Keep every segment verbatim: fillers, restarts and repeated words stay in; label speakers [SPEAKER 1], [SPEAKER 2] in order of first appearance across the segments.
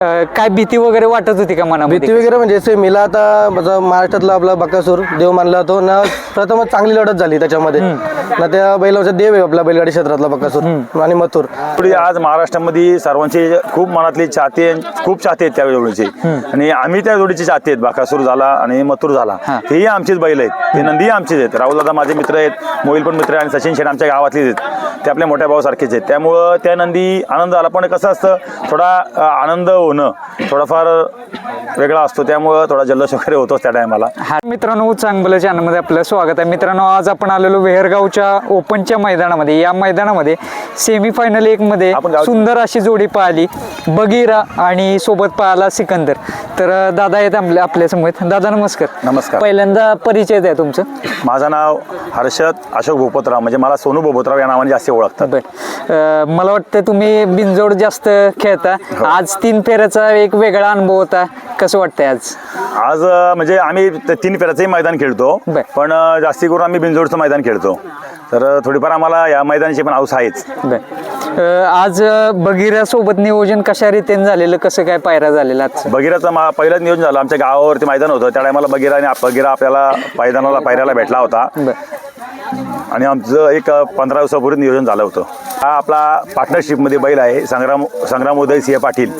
[SPEAKER 1] काय भीती वगैरे वाटत होती का मनामध्ये?
[SPEAKER 2] भीती वगैरे म्हणजे सेमीला आता महाराष्ट्रातला आपला बकासूर देव मानला जातो ना, प्रथमच चांगली लढत झाली त्याच्यामध्ये ना, त्या बैलाचा देव आहे आपल्या बैलगाडी क्षेत्रातला बकासूर आणि मथुर.
[SPEAKER 3] आज महाराष्ट्रामध्ये सर्वांचे खूप मनातले चाहते खूप चाहते आहेत त्या जोडीचे, आणि आम्ही त्या जोडीचे चाहते आहेत. बकासूर झाला आणि मथुर झाला, हेही आमचेच बैल आहेत, ते नंदीही आमचेच आहेत. राहुल दादा माझे मित्र आहेत, मोहिल पण मित्र आहे, आणि सचिन शेठ आमच्या गावातलेच आहेत, ते आपल्या मोठ्या भावासारखेच आहेत. त्यामुळं त्या नंदी आनंद आला. पण कसं असतं, थोडा आनंद होणं थोडाफार वेगळा असतो, त्यामुळं थोडा जल्लोष वगैरे होतोच त्या टायमाला.
[SPEAKER 1] हा मित्रांनो, चांगलं चॅनलमध्ये आपलं स्वागत आहे. मित्रांनो, आज आपण आलेलो वेहरगावच्या ओपनच्या मैदानामध्ये. या मैदानामध्ये सेमीफायनल एक मध्ये सुंदर अशी जोडी पाहिली, बगीरा आणि सोबत पाहिला सिकंदर. तर दादा आहेत आपल्या आपल्या समोर. दादा नमस्कार.
[SPEAKER 3] नमस्कार.
[SPEAKER 1] पहिल्यांदा परिचय द्या तुमचं.
[SPEAKER 3] माझं नाव हर्षद अशोक भोपतराव, म्हणजे मला सोनू भोपतराव या नावाने जास्त ओळखतात.
[SPEAKER 1] बर, मला वाटतं तुम्ही बिनजोड जास्त खेळता. आज तीन फेऱ्याचा एक वेगळा अनुभव होता, कसं वाटतंय आज?
[SPEAKER 3] आज म्हणजे आम्ही तीन फेऱ्याचंही मैदान खेळतो, पण जास्ती करून आम्ही बिनजोडचं मैदान खेळतो, तर थोडीफार आम्हाला या मैदानाची पण हौस आहेच.
[SPEAKER 1] आज बगीरा सोबत नियोजन कशा रीतीने झालेलं, कसं काय पायरा झालेला? आज
[SPEAKER 3] बगीराचं पहिलंच नियोजन झालं, आमच्या गावावरती मैदान होतं, त्या टायमाला बगीरा आणि बगीरा आपल्याला मैदानाला पायऱ्याला भेटला होता, आणि आमचं एक पंधरा दिवसापूर्वी नियोजन झालं होतं. हा आपला पार्टनरशिपमध्ये बैल आहे, संग्राम संग्राम उदय सिंह पाटील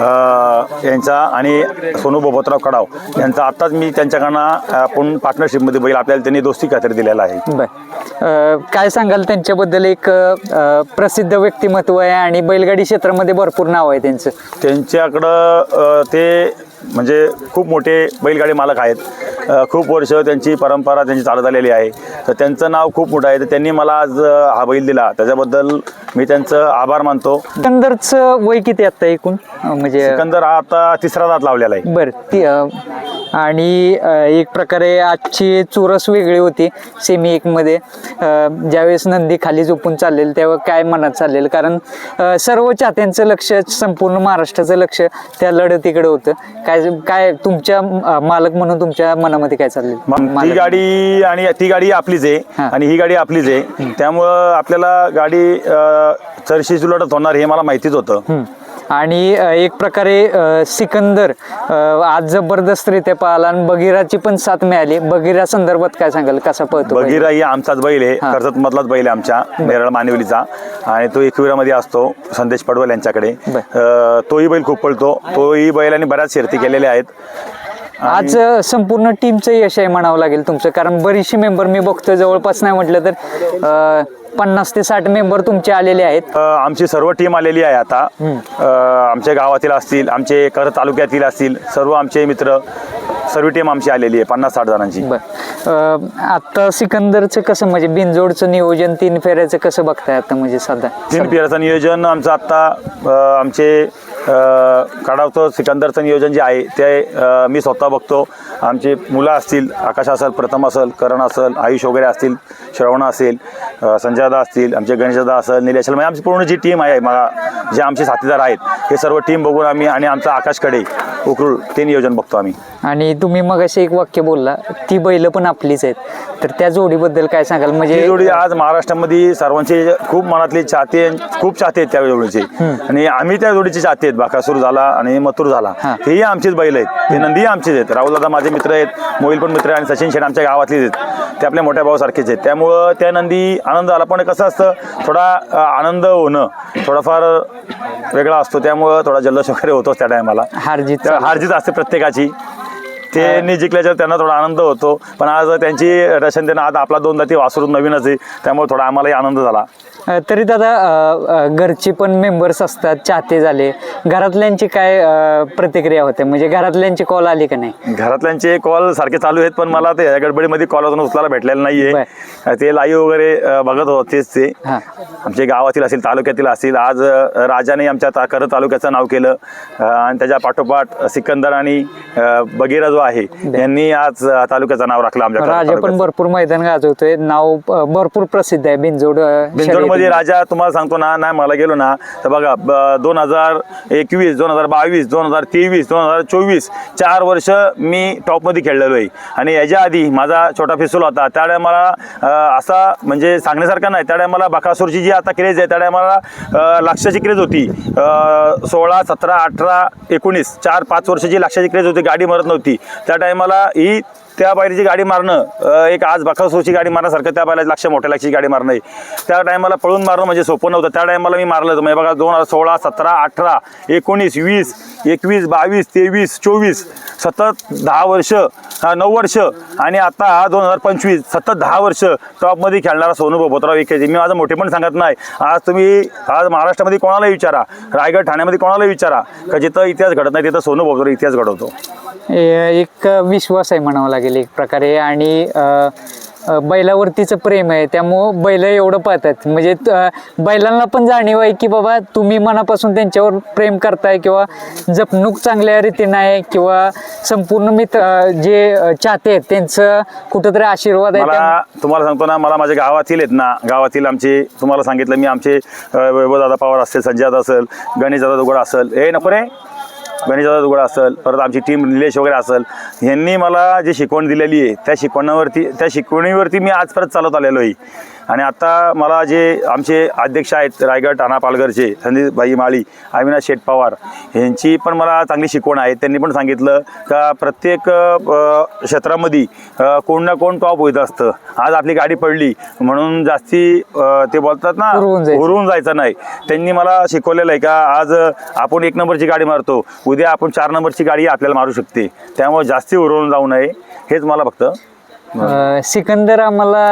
[SPEAKER 3] यांचा आणि सोनू भोपतराव कडाव यांचा. आत्ताच मी त्यांच्याकडनं आपण पार्टनरशिपमध्ये बैल आपल्याला त्यांनी दोस्ती खात्री दिलेला आहे.
[SPEAKER 1] बर, काय सांगाल त्यांच्याबद्दल? एक प्रसिद्ध व्यक्तिमत्व आहे आणि बैलगाडी क्षेत्रामध्ये भरपूर नाव आहे त्यांचं.
[SPEAKER 3] त्यांच्याकडं ते म्हणजे खूप मोठे बैलगाडी मालक आहेत, खूप वर्ष त्यांची परंपरा त्यांची चालत आलेली आहे, तर त्यांचं नाव खूप मोठं आहे. तर त्यांनी मला आज हा बैल दिला, त्याच्याबद्दल मी त्यांचं आभार मानतो.
[SPEAKER 1] सिकंदरचं वय किती आता एकूण? म्हणजे
[SPEAKER 3] सिकंदर हा आता तिसरा दात लावलेला आहे.
[SPEAKER 1] बरं, ती आणि एक प्रकारे आजची चुरस वेगळी होती सेमी एक मध्ये. ज्यावेळेस नंदी खाली झोपून चाललेलं तेव्हा काय मनात चाललेलं? कारण सर्व चाहत्यांचं लक्ष, संपूर्ण महाराष्ट्राचं लक्ष त्या लढतीकडे होतं. काय काय तुमच्या मालक म्हणून तुमच्या मनामध्ये काय चाललेलं?
[SPEAKER 3] ती गाडी आणि ती गाडी आपलीच आहे आणि ही गाडी आपलीच आहे, त्यामुळं आपल्याला गाडी चरशी लढत होणार हे मला माहितीच होतं.
[SPEAKER 1] आणि एक प्रकारे सिकंदर आज जबरदस्तरित्या पाहिला आणि बगीराची पण साथ मिळाली. बगीरा संदर्भात काय सांगाल, कसा पळतो?
[SPEAKER 3] बगीरा ही आमचाच बैल आहे, कर्जत मधलाच बैल आहे आमच्या नेरळ मानिवलीचा, आणि तो एकविरामध्ये असतो संदेश पडवल यांच्याकडे. तोही बैल खूप पळतो, तोही बैलांनी बऱ्याच शर्ती केलेल्या आहेत.
[SPEAKER 1] आज संपूर्ण टीमचं यश आहे म्हणावं लागेल तुमचं, कारण बरीचशी मेंबर मी बघतोय, जवळपास नाही म्हटलं तर पन्नास ते साठ मेंबर तुमचे आलेले आहेत.
[SPEAKER 3] आमची सर्व टीम आलेली आहे आता, आमच्या गावातील असतील, आमचे कर तालुक्यातील असतील, सर्व आमचे मित्र, सर्व टीम आमची आलेली आहे पन्नास साठ जणांची.
[SPEAKER 1] बरं, आता सिकंदरचं कसं, म्हणजे बिनजोडचं नियोजन तीन फेऱ्याचं कसं बघताय आता? म्हणजे सध्या
[SPEAKER 3] तीन फेऱ्याचं नियोजन आमचं आता आमचे कडावचं सिकंदरचं नियोजन जे आहे ते मी स्वतः बघतो. आमचे मुलं असतील, आकाश असेल, प्रथम असेल, करण असेल, आयुष वगैरे असतील, श्रवण असेल, संजयदा असतील, आमचे गणेशदा असेल, निलेश असेल, म्हणजे आमची पूर्ण जी टीम आहे, मला जे आमचे साथीदार आहेत हे सर्व टीम बघून आम्ही, आणि आमचा आकाशकडे उकरूळ ते नियोजन बघतो आम्ही.
[SPEAKER 1] आणि तुम्ही मग असे एक वाक्य बोलला, ती बैल पण आपलीच आहेत, तर त्या जोडीबद्दल काय सांगाल? म्हणजे
[SPEAKER 3] ही जोडी आज महाराष्ट्रामध्ये सर्वांचे खूप मनातले चाहते खूप चाहते आहेत त्या जोडीचे, आणि आम्ही त्या जोडीचे चाहते आहेत. बकासूर झाला आणि मथुर झाला, हेही आमचेच बैल आहेत, ते नंदीही आमचेच आहेत. राहुल दादा माझे मित्र आहेत, मोहिल पण मित्र आहे, आणि सचिन शेठ आमच्या गावातलेच आहेत, ते आपल्या मोठ्या भावासारखेच आहेत. त्यामुळं त्या नंदी आनंद आला. पण कसं असतं, थोडा आनंद होणं थोडाफार वेगळा असतो, त्यामुळं थोडा जल्लोष वगैरे होतोच त्या टायमाला.
[SPEAKER 1] हारजीत
[SPEAKER 3] हारजीत असते प्रत्येकाची, ते जिंकल्याच्या त्यांना थोडा आनंद होतो. पण आज त्यांची रशन त्यांना आज आपला दोनदा ती वासरून नवीनच आहे, त्यामुळे थोडा आम्हालाही आनंद झाला.
[SPEAKER 1] तरी दादा घरचे पण मेंबर्स असतात, चाहते झाले, घरातल्यांची काय प्रतिक्रिया होते? म्हणजे घरातल्यांची कॉल आली का नाही?
[SPEAKER 3] घरातल्यांचे कॉल सारखे चालू आहेत, पण मला ते गडबडीमध्ये कॉल अजून उचलायला भेटलेला नाहीये. ते लाईव्ह वगैरे बघत होतेच, ते आमच्या गावातील असतील, तालुक्यातील असतील. आज राजाने आमच्या करत तालुक्याचं नाव केलं, आणि त्याच्या पाठोपाठ सिकंदर आणि बगीरा जो आहे यांनी आज तालुक्याचं नाव राखलं. आमच्या
[SPEAKER 1] राजा पण भरपूर मैदान गाजवतोय, नाव भरपूर प्रसिद्ध आहे बिनजोड.
[SPEAKER 3] बिनजोड मध्ये राजा तुम्हाला सांगतो ना, नाही मला गेलो ना तर बघा, दोन हजार एकवीस दोन हजार बावीस दोन हजार तेवीस दोन हजार चोवीस चार वर्ष मी टॉपमध्ये खेळलेलो आहे. आणि याच्या आधी माझा छोटा फिसूल होता, त्यावेळेला मला असा म्हणजे सांगण्यासारखा नाही. त्या टायमाला बकासूरची जी आता क्रेज आहे त्या टायमाला लक्षाची क्रेज होती. अ, सोळा सतरा अठरा एकोणीस चार पाच वर्षाची लक्षाची क्रेज होती, गाडी मरत नव्हती. त्या टायमाला ही त्या बैलाची गाडी मारणं अ, एक आज बकासूरची गाडी मारण्यासारखं त्या बैलाची लक्ष मोठ्या लक्षाची गाडी मारणं आहे. त्या टायमाला पळून मारणं म्हणजे सोपं नव्हतं. त्या टायमाला मी मारलं होतं म्हणजे बघा दोन हजार सोळा सतरा अठरा एकोणीस वीस एकवीस बावीस तेवीस चोवीस सतत दहा वर्ष हा, नऊ वर्ष आणि आता हा दोन हजार पंचवीस सतत दहा वर्ष टॉपमध्ये खेळणारा सोनू बोबतराव विखेचे. मी माझं मोठे पण सांगत नाही. आज तुम्ही आज महाराष्ट्रामध्ये कोणालाही विचारा, रायगड ठाण्यामध्ये कोणालाही विचारा का जिथं इतिहास घडत नाही तिथं सोनू बोबतराव इतिहास घडवतो.
[SPEAKER 1] ए- एक विश्वास आहे म्हणावं लागेल एक प्रकारे. आणि अ, अ, बैलावरतीचं प्रेम आहे, त्यामुळं बैल एवढं पाहतात. म्हणजे अ, बैलांना पण जाणीव आहे की बाबा तुम्ही मनापासून त्यांच्यावर प्रेम करताय किंवा जपणूक चांगल्या रीतीने आहे किंवा संपूर्ण मित्र अ, जे अ, चाहते आहेत त्यांचं कुठंतरी आशीर्वाद आहे.
[SPEAKER 3] मला तुम्हाला सांगतो ना, मला माझ्या गावातील आहेत ना, गावातील आमचे तुम्हाला सांगितलं मी आमचे अ, वैभवदादा पवार असेल, संजय दादा असेल, गणेशदादा दुगडा असेल, हे नको रे गणेशदादा दुगडा असेल, परत आमची टीम निलेश वगैरे असेल, यांनी मला जी शिकवण दिलेली आहे त्या शिकवणावरती त्या शिकवणीवरती मी आज परत चालत आलेलो आहे. आणि आता मला जे आमचे अध्यक्ष आहेत रायगड ठाणा पालघरचे संदीप भाई माळी, अविनाश शेठ पवार यांची पण मला चांगली शिकवण आहे. त्यांनी पण सांगितलं का प्रत्येक अ, क्षेत्रामध्ये अ, कोण ना कोण टॉप होत असतं. आज आपली गाडी पडली म्हणून जास्ती अ, ते बोलतात ना
[SPEAKER 1] हुरळून जायचं.
[SPEAKER 3] हुरळून जायचं नाही. त्यांनी मला शिकवलेलं आहे का आज आपण एक नंबरची गाडी मारतो, उद्या आपण चार नंबरची गाडी आपल्याला मारू शकते. त्यामुळे जास्ती हुरळून जाऊ नये हेच मला फक्त
[SPEAKER 1] अ, सिकंदर आम्हाला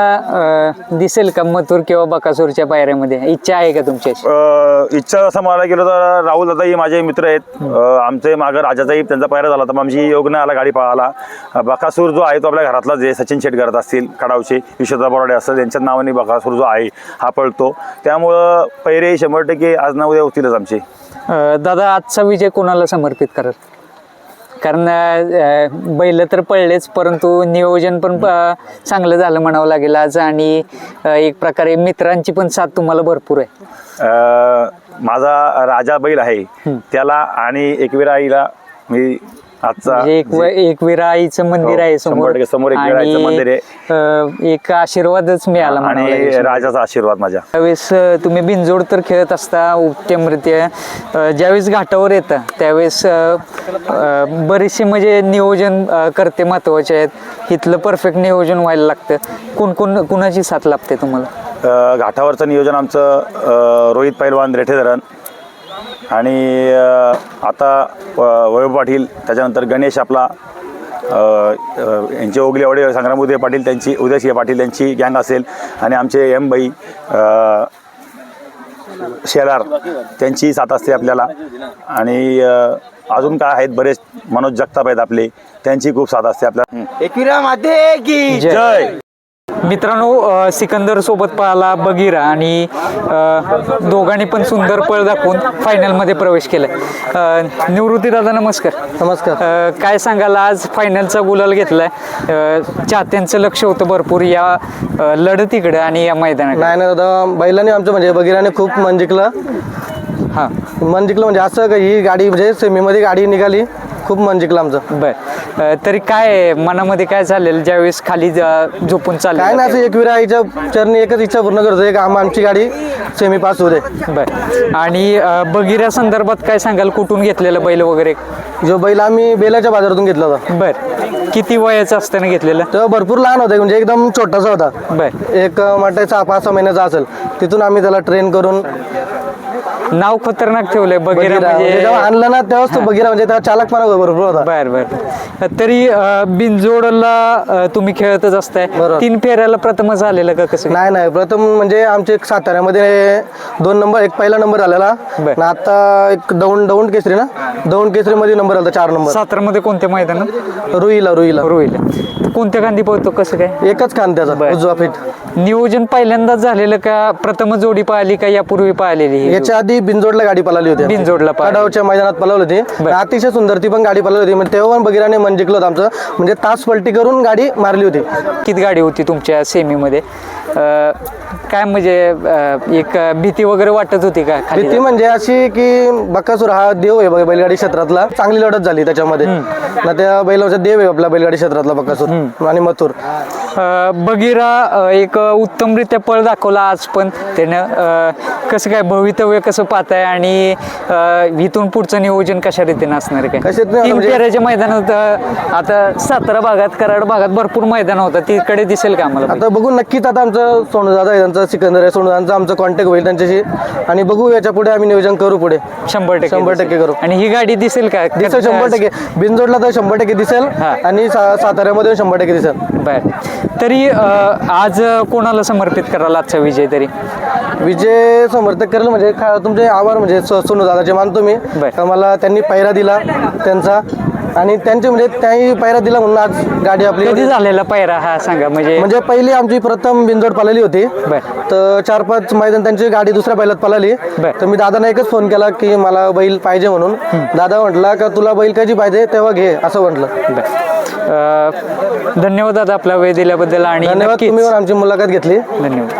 [SPEAKER 1] अ, दिसेल का मथुर किंवा बकासूरच्या पायऱ्यामध्ये? इच्छा आहे का तुमची अशी?
[SPEAKER 3] अ, इच्छा असं मला गेलं तर राहुल दादाही माझे मित्र आहेत. अ, आमचे मागं राजाचाही त्यांचा पायरा झाला तर आमची योग नाही आला गाडी पळाला. अ, बकासूर जो आहे तो आपल्या घरातलाच आहे. सचिन शेट करत असतील कडावचे, विश्वदा बोराडे असं त्यांच्याच नावाने बकासूर जो आहे हा पळतो. त्यामुळं पैरे शंभर टक्के आज ना उद्या होतीलच आमचे.
[SPEAKER 1] अ, दादा आजचा विजय कोणाला समर्पित कराल? कारण अ, बैल तर पडलेच परंतु नियोजन पण अ, चांगलं झालं म्हणावं लागेल आज. आणि अ, एक प्रकारे मित्रांची पण साथ तुम्हाला भरपूर आहे.
[SPEAKER 3] अ, माझा राजा बैल आहे त्याला आणि एकविरा आईला मी आजचा
[SPEAKER 1] म्हणजे एक व- एकविरा आईचं मंदिर
[SPEAKER 3] हो,
[SPEAKER 1] आहे
[SPEAKER 3] शंभर
[SPEAKER 1] समोर
[SPEAKER 3] टक्के समोर एकविरा आईचं मंदिर आहे.
[SPEAKER 1] अ, एक आशीर्वादच मिळाला म्हणावं
[SPEAKER 3] आणि
[SPEAKER 1] लागेल.
[SPEAKER 3] राजाचा आशीर्वाद माझ्या.
[SPEAKER 1] त्यावेळेस अ, तुम्ही बिनजोड तर खेळत असता उत्तमरित्या. अ, ज्यावेळेस घाटावर येतं त्यावेळेस अ, अ, बरेचसे म्हणजे नियोजन अ, करते महत्वाचे आहेत. इथलं परफेक्ट नियोजन व्हायला लागतं. कोण कोण कुणाची साथ लागते तुम्हाला?
[SPEAKER 3] अ, घाटावरचं नियोजन आमचं अ, रोहित पैलवान रेठे धरण आणि अ, आता अ, वैभव पाटील, त्याच्यानंतर गणेश आपला अ, अ, यांचे ओगले वडे संग्राम उदय पाटील त्यांची उदयसिंह पाटील त्यांची गँग असेल आणि आमचे एम बाई अ, शेलार त्यांची साथ असते आपल्याला. आणि अ, अजून काय आहेत बरेच मनोज जगताप आहेत आपले, त्यांची खूप साथ असते आपल्याला.
[SPEAKER 2] एकविरा माते की
[SPEAKER 1] जय.
[SPEAKER 3] जय.
[SPEAKER 1] मित्रांनो अ, सिकंदर सोबत पाहला बगीरा आणि अ, दोघांनी पण सुंदर पळ दाखवून फायनलमध्ये प्रवेश केलाय. निवृत्ती दादा नमस्कार.
[SPEAKER 2] नमस्कार.
[SPEAKER 1] अ, काय सांगाल आज फायनलचा गुलाल घेतलाय? अ, चाहत्यांचं लक्ष होतं भरपूर या अ, लढतीकडे आणि या मैदानाकडे.
[SPEAKER 2] नाही ना दादा, बैलाने आमचं म्हणजे बगीराने खूप मन जिंकलं.
[SPEAKER 1] हां
[SPEAKER 2] मन जिंकलं म्हणजे असं का ही गाडी म्हणजे सेमीमध्ये गाडी निघाली, खूप मन जिंकलं आमचं.
[SPEAKER 1] बर अ, तरी काय मनामध्ये काय झालेलं ज्यावेळेस खाली ज- झोपून
[SPEAKER 2] काय
[SPEAKER 1] चाललं?
[SPEAKER 2] ना असं एकविरा आईच्या चरणी एकच इच्छा पूर्ण करतो, एक आम आमची गाडी सेमी पास होऊ दे.
[SPEAKER 1] बर आणि अ, बगीरा संदर्भात काय सांगाल? कुठून घेतलेलं बैल वगैरे?
[SPEAKER 2] जो बैल आम्ही बेलाच्या बाजारातून घेतला होता.
[SPEAKER 1] बर किती वयाचं असताना घेतलेलं?
[SPEAKER 2] तो भरपूर लहान होता, म्हणजे एकदम छोटासा होता.
[SPEAKER 1] बर
[SPEAKER 2] एक म्हटलं सहा पाच सहा महिन्याचा असेल. तिथून आम्ही त्याला ट्रेन करून
[SPEAKER 1] नाव खतरनाक ठेवलंय बगीरा
[SPEAKER 2] बगीरा म्हणजे
[SPEAKER 1] म्हणजे.
[SPEAKER 2] जेव्हा आणलं ना तेव्हाच तो बगीरा म्हणजे त्याला चालकपणा भरपूर होता.
[SPEAKER 1] बर बर तरी अ, बिनजोडला अ, तुम्ही खेळतच असताय.
[SPEAKER 2] बरोबर.
[SPEAKER 1] तीन फेऱ्याला प्रथमच आलेलं का कसं?
[SPEAKER 2] नाही नाही, प्रथम म्हणजे आमचे एक साताऱ्यामध्ये दोन नंबर, एक पहिला नंबर आलेला
[SPEAKER 1] बर.
[SPEAKER 2] आणि आता एक दौंड दौंड केसरी ना दौंड केसरी मध्ये नंबर आला चार नंबर.
[SPEAKER 1] सातारामध्ये कोणत्या मैदानात?
[SPEAKER 2] रुईला रुईला
[SPEAKER 1] रोहिला. कोणत्या गांधी पोहतो कसं काय?
[SPEAKER 2] एकच खान त्याचा
[SPEAKER 1] बर.
[SPEAKER 2] उजवा फिट.
[SPEAKER 1] नियोजन पहिल्यांदाच झालेलं का प्रथम जोडी पाहिली का यापूर्वी पाहिलेली ही?
[SPEAKER 2] याच्या आधी बिनजोडला गाडी पळाली होती.
[SPEAKER 1] बिनजोडला पळाली.
[SPEAKER 2] कडावच्या मैदानात पळवली होती.
[SPEAKER 1] बर.
[SPEAKER 2] अतिशय सुंदर ती पण गाडी पळवली होती. म्हणजे तेव्हा पण बगीराने मन जिंकलं होतं आमचं, म्हणजे तास पलटी करून गाडी मारली होती.
[SPEAKER 1] किती गाडी होती तुमच्या सेमीमध्ये? अ, काय म्हणजे अ, एक भीती वगैरे वाटत होती का खाली?
[SPEAKER 2] भीती म्हणजे अशी की बकासूर हा देव आहे बघ बैलगाडी क्षेत्रातला, चांगली लढत झाली त्याच्यामध्ये ना. त्या बैलाचा देव आहे आपला बैलगाडी क्षेत्रातला बकासूर आणि मथुर.
[SPEAKER 1] अं, बगीरा अं, एक उत्तमरित्या पळ दाखवला आज पण त्यानं. अं, कसं काय भवितव्य कसं पाहताय आणि अं, इथून पुढचं नियोजन कशा रीतीने असणार आहे काय?
[SPEAKER 2] कशात नाही,
[SPEAKER 1] तीन
[SPEAKER 2] म्हणजे-
[SPEAKER 1] फेऱ्याच्या मैदानात अं, आता सातारा भागात कराड भागात भरपूर मैदान होतं, तिकडे दिसेल का आम्हाला?
[SPEAKER 2] आता बघू नक्कीच. आता आमचं सोनू दादा आहे, त्यांचा सिकंदर आहे, सोनू दादांचा आमचा कॉन्टॅक्ट होईल त्यांच्याशी आणि बघू याच्या पुढे आम्ही नियोजन करू पुढे.
[SPEAKER 1] शंभर टक्के
[SPEAKER 2] शंभर
[SPEAKER 1] दिसेल.
[SPEAKER 2] टक्के करू.
[SPEAKER 1] आणि ही गाडी दिसेल का?
[SPEAKER 2] दिसेल शंभर टक्के. बिनजोडला तर शंभर टक्के दिसेल
[SPEAKER 1] हा.
[SPEAKER 2] आणि सा- साताऱ्यामध्ये शंभर टक्के दिसेल.
[SPEAKER 1] बर. तरी अं, आज कोणाला समर्पित कराल आजचा विजय तरी?
[SPEAKER 2] विजय समर्थक करेल म्हणजे खा- तुमचे आभार म्हणजे सो- सोनू दादाचे मानतो मी.
[SPEAKER 1] बर.
[SPEAKER 2] तर मला त्यांनी पायरा दिला त्यांचा आणि त्यांचे म्हणजे त्यांनी पायरा दिला म्हणून आज गाडी आपली
[SPEAKER 1] कधी झालेला पायरा हा सांगा म्हणजे?
[SPEAKER 2] म्हणजे पहिली आमची प्रथम बिनजोड पळाली होती.
[SPEAKER 1] बर.
[SPEAKER 2] तर चार पाच मैदान त्यांची गाडी दुसऱ्या बैलात पळाली.
[SPEAKER 1] बर.
[SPEAKER 2] तर मी दादांना एकच फोन केला की मला बैल पाहिजे म्हणून. दादा म्हटला का तुला बैल कधी पाहिजे तेव्हा घे असं म्हटलं.
[SPEAKER 1] बर. अं, धन्यवाद दादा आपला वेळ दिल्याबद्दल आणि
[SPEAKER 2] धन्यवाद,
[SPEAKER 1] नक्कीच
[SPEAKER 2] तुम्ही पण आमची मुलाखत घेतली.
[SPEAKER 1] धन्यवाद.